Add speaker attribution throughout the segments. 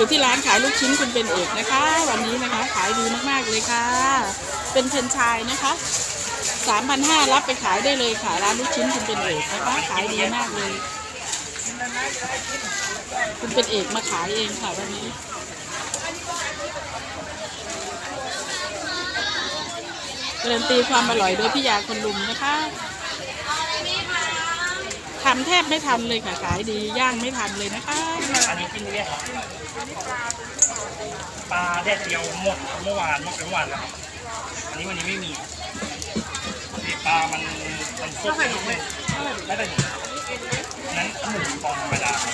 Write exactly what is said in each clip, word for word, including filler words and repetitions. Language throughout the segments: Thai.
Speaker 1: อยู่ที่ร้านขายลูกชิ้นคุณเป็นเอกนะคะวันนี้นะคะขายดีมากๆเลยค่ะเป็นเฟรนไชส์นะคะ สามพันห้าร้อย รับไปขายได้เลยค่ะร้านลูกชิ้นคุณเป็นเอกนะคะขายดีมากเลยคุณเป็นเอกมาขายเองค่ะวันนี้การันตีความอร่อยโดยพี่ยาคนลุมนะคะทำแทบไม่ทันเลยค่ะขายดีย่างไม่ทันเลยนะคะ
Speaker 2: อันนี้กินเรียกปลาแดดเดียวหมดเมื่อวานหมดเมื่อวานแล้วครับอันนี้วันนี้ไม่มีปลามันมันสดไม่ไม่ได้นั้นหมูฟองธรรมดา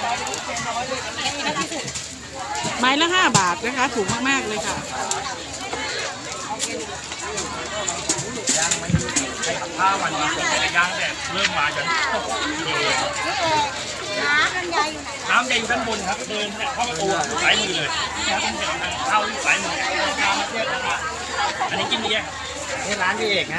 Speaker 1: ไม้ละห้าบาทนะคะถูกมากๆเลยค่ะ
Speaker 2: ย่างไม่ใช่ขับผ้าวันนี้ผมจะย่างแบบเริ่มมาจนตกทีเดียวน้ำใหญ่อยู่ไหนน้ำใหญ่อยู่ด้านบนครับเดินเข้าประตูสายมือเลยน้ำใหญ่เข้าสายมือน้ำมาเทียบกันอันนี้กินดีแค่นี่ร้านพี่เอกนะ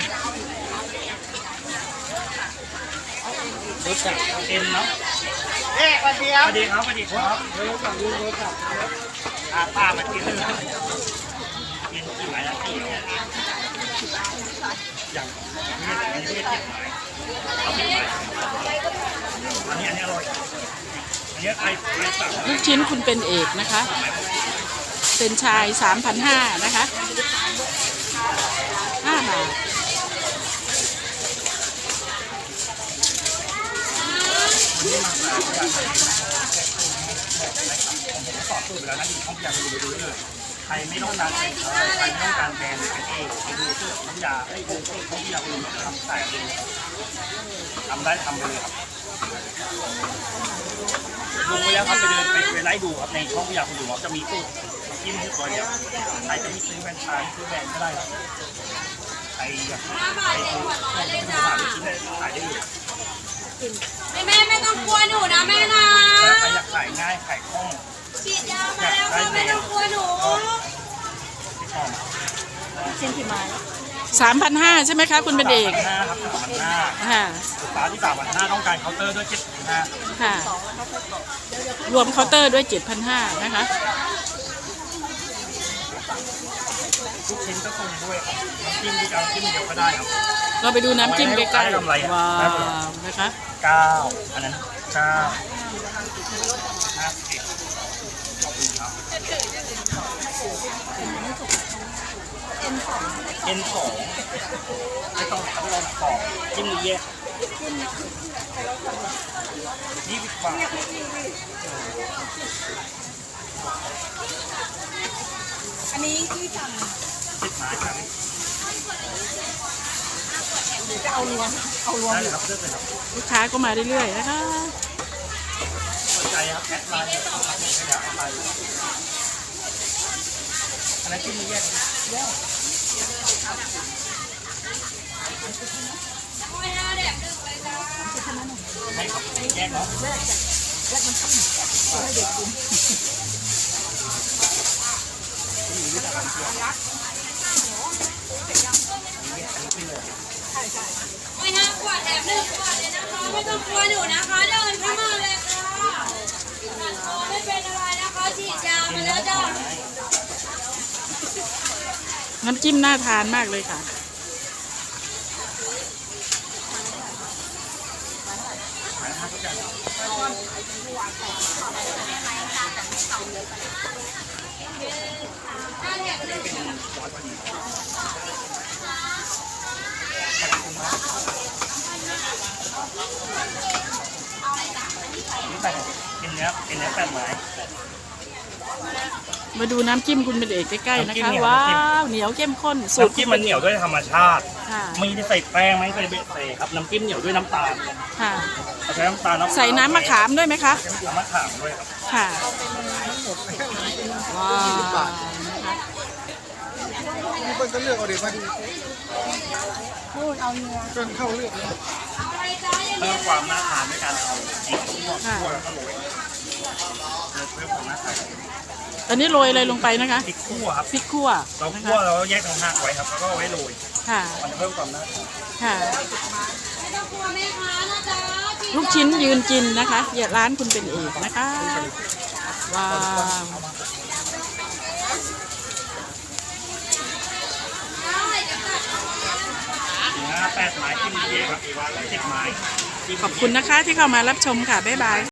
Speaker 2: รู้จักเอ็นเนาะเอ๊ะสวัสดีครับสวัสดีครับสวัสดีครับรู้จักรู้รู้จักอาป้ามากินเลยกินกี่หมายละกี่อย่างนี้อันนี้เจ็ดหมายเอาเจ็ดหมายอันนี้อันนี้อร่อยอันนี้ไอ้ไอ้สั่ง
Speaker 1: ลูกชิ้นคุณเป็นเอกนะคะเป็นชาย สามพันห้าร้อย นะคะห้าบาท
Speaker 2: สอบสูตรไปแล้วนะอยู่ช่องยาไปดูเลยใครไม่ต้องการเป็นใครไม่ต้องการแบรนด์เป็นเองไปดูที่ช่องยาไอ้ดูที่ช่องยาคุณทำแต่ทำได้ทำไปเลยครับลงไปแล้วครับไปเดินไปไปไล่ดูครับในช่องยาคุณดูว่าจะมีตู้จิ้มที่ตัวเดียวใครจะมีซื้อแบรนด์ชายซื้อแบรนด์ก็ได้ครับใครอยากใครซื้อขายชิ้นได้ขายได้เลย
Speaker 3: แม่ไม่ต้องกลัวหนูนะแม่นะ
Speaker 2: ใครอยากขายง่ายขายคล่อง
Speaker 3: ฉีดยามาแล้วไม่ต้องกลัวหนู
Speaker 1: ชิ้นที่ไม้สามพันห้าใช่ไหมคะคุณเป็นเอก
Speaker 2: ห้าครับสามพันห้า
Speaker 1: ค่ะ
Speaker 2: ลูกค้าที่สามพันห้าต้องการเคาน์เตอร์ด้วยเจ็ดพันห้า
Speaker 1: ค่ะรวมเคาน์เตอร์ด้วยเจ็ดพันห้านะคะ
Speaker 2: ทุกชิ้นก็คงด้วยครับน้ำจิ้มที่เอาจิ้มเดียวก็ได้ครับ
Speaker 1: เราไปดูน้ำจิ้มใกล้ๆว้าวนะคะ
Speaker 2: เก้าอันนั้นเก้าห้าสิบขอบคุณครับเอ็นสองไม่ต้องทำลองสองจิ้มเยอะยี่สิบบาท
Speaker 3: อันนี้ที่สั่ง
Speaker 2: สิบหมายครับ
Speaker 3: จะเอารวมเอารวม
Speaker 2: ได้ครับเลือกเลยครับ
Speaker 1: ลูกค้าก็มาเรื่อยๆนะคะ
Speaker 2: สนใจครับแอดไลน์ให้แล้วแอดไลน์อันนั้นจิ้มแยกแยกให้ครับแยกเนาะแยกแยกมันให้เด็กกิน
Speaker 3: ไม่ห้ากว่าแถมหนึ่งกว่าเลยนะคะไม่ต้องกลัวหนูนะคะเดินเข้ามาเลยค่ะไม่เป็นอะไรนะคะฉีดยามาแล้วจ้ะ
Speaker 1: น้ำจิ้มน่าทานมากเลยค่ะ
Speaker 2: นี่แปดเป็นเนื้อเป็นเนื้อแปดไม้
Speaker 1: มาดูน้ำจิ้มคุณเป็นเอกใกล้ๆนะคะว้าวเหนียวเข้มข้น
Speaker 2: สูตรจิ้มมันเหนียวด้วยธรรมชาติไม่ได้ใส่แป้งไม่ใส่เบสเซ่ครับน้ำจิ้มเหนียวด้วยน้ำตาล
Speaker 1: ค่ะ
Speaker 2: ใช้น้ำตาล
Speaker 1: ใส่น้ำมะขามด้วยไหมคะ
Speaker 2: น้ำมะขามด้วยครับ
Speaker 1: ค่ะว้าว
Speaker 4: มีคนก็เลือกเอาเดี๋ยวมาดูพูดเอาเนื้อจนเข้าเลือก
Speaker 2: เพิ่มความน่าทานด้วยการเอาพริกคั่วคั่วแล้วก็โรยเพิ่มความน่าทาน
Speaker 1: อันนี้โรยอะไรลงไปนะคะ
Speaker 2: พริกคั่วครับ
Speaker 1: พริกคั่ว
Speaker 2: เราคั่วเราแยกต่างหากไว้ครับแล้วก็ไว้โรย
Speaker 1: ค่ะ
Speaker 2: มันเพิ่มความน่าทาน
Speaker 1: ค่ะลูกชิ้นยืนกินนะคะอย่าร้านคุณเป็นเอกนะคะว้าว
Speaker 2: แปดไม้ที่มีเยครับสิบไม้
Speaker 1: ขอบคุณนะคะที่เข้ามารับชมค่ะ บ๊ายบาย